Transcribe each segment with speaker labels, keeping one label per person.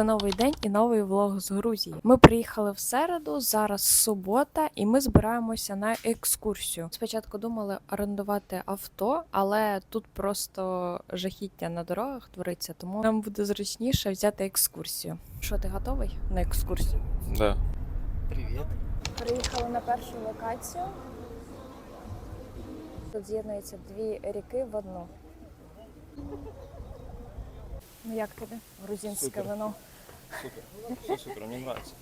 Speaker 1: новий день і новий влог з Грузії. Ми приїхали в середу, зараз субота, і ми збираємося на екскурсію. Спочатку думали орендувати авто, але тут просто жахіття на дорогах твориться, тому нам буде зручніше взяти екскурсію. Що, ти готовий на екскурсію?
Speaker 2: Да.
Speaker 3: Привіт.
Speaker 1: Приїхали на першу локацію. Тут з'єднуються дві ріки в одну. Ну як тобі грузинське
Speaker 2: Супер.
Speaker 1: вино?
Speaker 2: Супер. Все супер, мне нравится.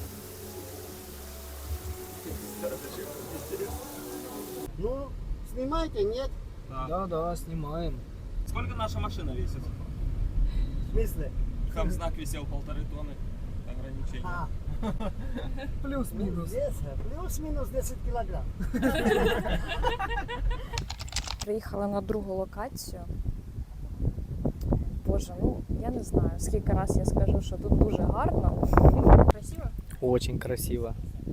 Speaker 3: Ну, снимайте, нет?
Speaker 4: Да, снимаем.
Speaker 5: Сколько наша машина весит?
Speaker 3: В смысле?
Speaker 5: Там знак висел 1,5 тонны. Ограничение.
Speaker 3: А,
Speaker 4: Плюс-минус.
Speaker 3: веса, плюс-минус 10 килограмм.
Speaker 1: Приїхали на другу локацію. Боже, ну я не знаю, скільки раз я скажу, що тут дуже гарно. Красиво?
Speaker 4: Очень красиво.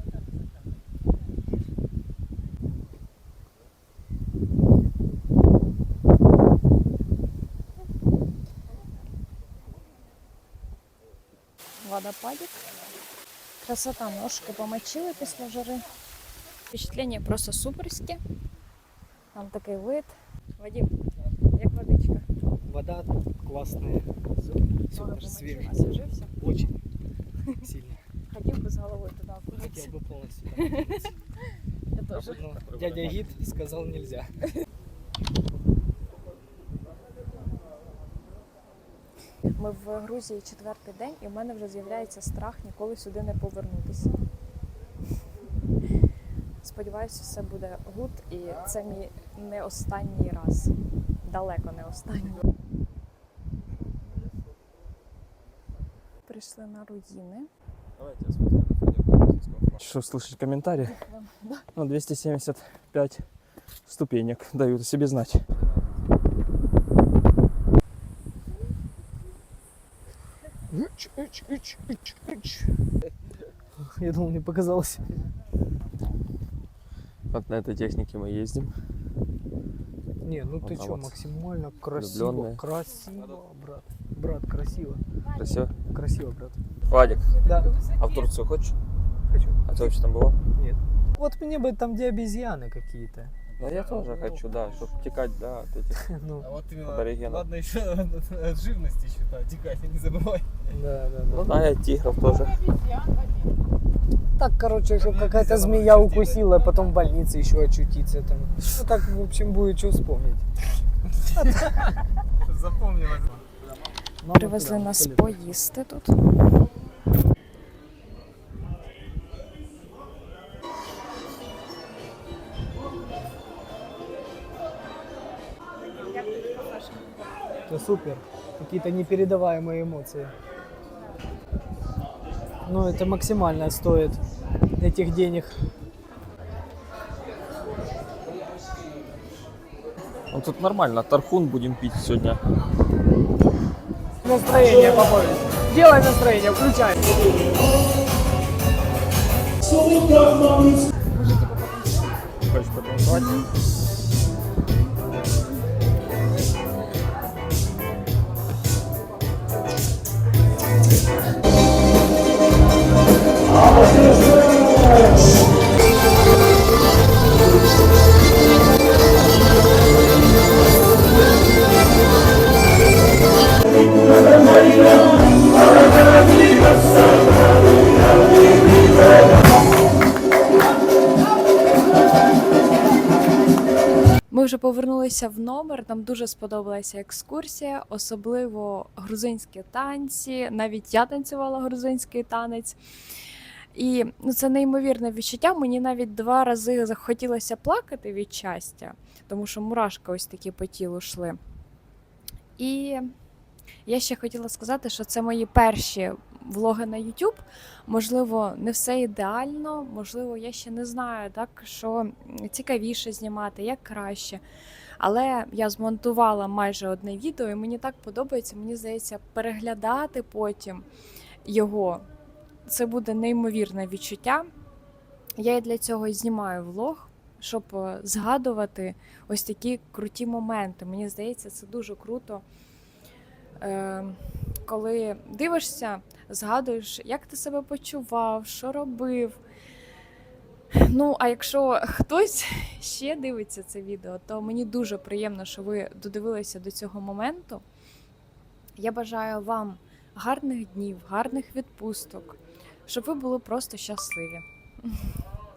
Speaker 1: Водопадик. Красота, ножки помочили після жари. Впечатлення просто суперське. Там такий вид. Вадим, як водичка?
Speaker 4: Вода классная. Супер свежая.
Speaker 1: Освіжився?
Speaker 4: Очень сильно.
Speaker 1: Хотів би з головою туди
Speaker 4: Хотел
Speaker 1: окунутися.
Speaker 4: бы полностью. окунуться.
Speaker 1: Я теж.
Speaker 4: Но дядя Гид сказал нельзя.
Speaker 1: Ми в Грузії четвертий день, і в мене вже з'являється страх ніколи сюди не повернутися. Сподіваюся, все буде гуд, і це мій не останній раз. Далеко не останній. Прийшли на руїни.
Speaker 2: Давайте я сфоткаю на фоне грузинского флага.
Speaker 5: Что, слышать комментарии?
Speaker 1: Да.
Speaker 5: Ну, 275 ступенек дают о себе знать.
Speaker 4: Я думал, мне показалось.
Speaker 2: Вот на этой технике мы ездим.
Speaker 4: Не, ну ты
Speaker 2: А
Speaker 4: чё,
Speaker 2: вот
Speaker 4: максимально красиво.
Speaker 2: влюблённые.
Speaker 4: Красиво, брат. Брат, красиво.
Speaker 2: Красиво.
Speaker 4: Красиво, брат.
Speaker 2: Вадик,
Speaker 4: Да.
Speaker 2: а в Турцию хочешь?
Speaker 4: Хочу.
Speaker 2: А ты вообще там была?
Speaker 4: Нет. Вот мне бы там, где обезьяны какие-то.
Speaker 2: Ну, я тоже хочу, да, чтобы текать, да, от этих
Speaker 4: Ну,
Speaker 6: А вот именно,
Speaker 2: аборигенов.
Speaker 6: ладно еще от живности еще, да, текать, не забывай.
Speaker 4: да.
Speaker 2: Ну да, и от тигров тоже.
Speaker 4: Так, короче, чтобы какая-то змея укусила, а потом в больнице еще очутиться там. Ну так, в общем, будет что вспомнить.
Speaker 6: Запомнилось.
Speaker 1: Привезли нас поїсти тут.
Speaker 4: Это супер. Какие-то непередаваемые эмоции. Ну, это максимально стоит этих денег.
Speaker 2: Ну тут нормально, тархун будем пить сегодня.
Speaker 4: Настроение побольше. Делай настроение, включай.
Speaker 2: Хочешь потанцевать?
Speaker 1: Ми вже повернулися в номер, нам дуже сподобалася екскурсія, особливо грузинські танці, навіть я танцювала грузинський танець. І це неймовірне відчуття, мені навіть 2 рази захотілося плакати від щастя, тому що мурашки ось такі по тілу йшли. І я ще хотіла сказати, що це мої перші влоги на YouTube. Можливо, не все ідеально, можливо, я ще не знаю, так, що цікавіше знімати, як краще. Але я змонтувала майже одне відео, і мені так подобається, мені здається, переглядати потім його. Це буде неймовірне відчуття. Я і для цього і знімаю влог, щоб згадувати ось такі круті моменти. Мені здається, це дуже круто коли дивишся, згадуєш, як ти себе почував, що робив. Ну, а якщо хтось ще дивиться це відео, то мені дуже приємно, що ви додивилися до цього моменту. Я бажаю вам гарних днів, гарних відпусток, щоб ви були просто щасливі.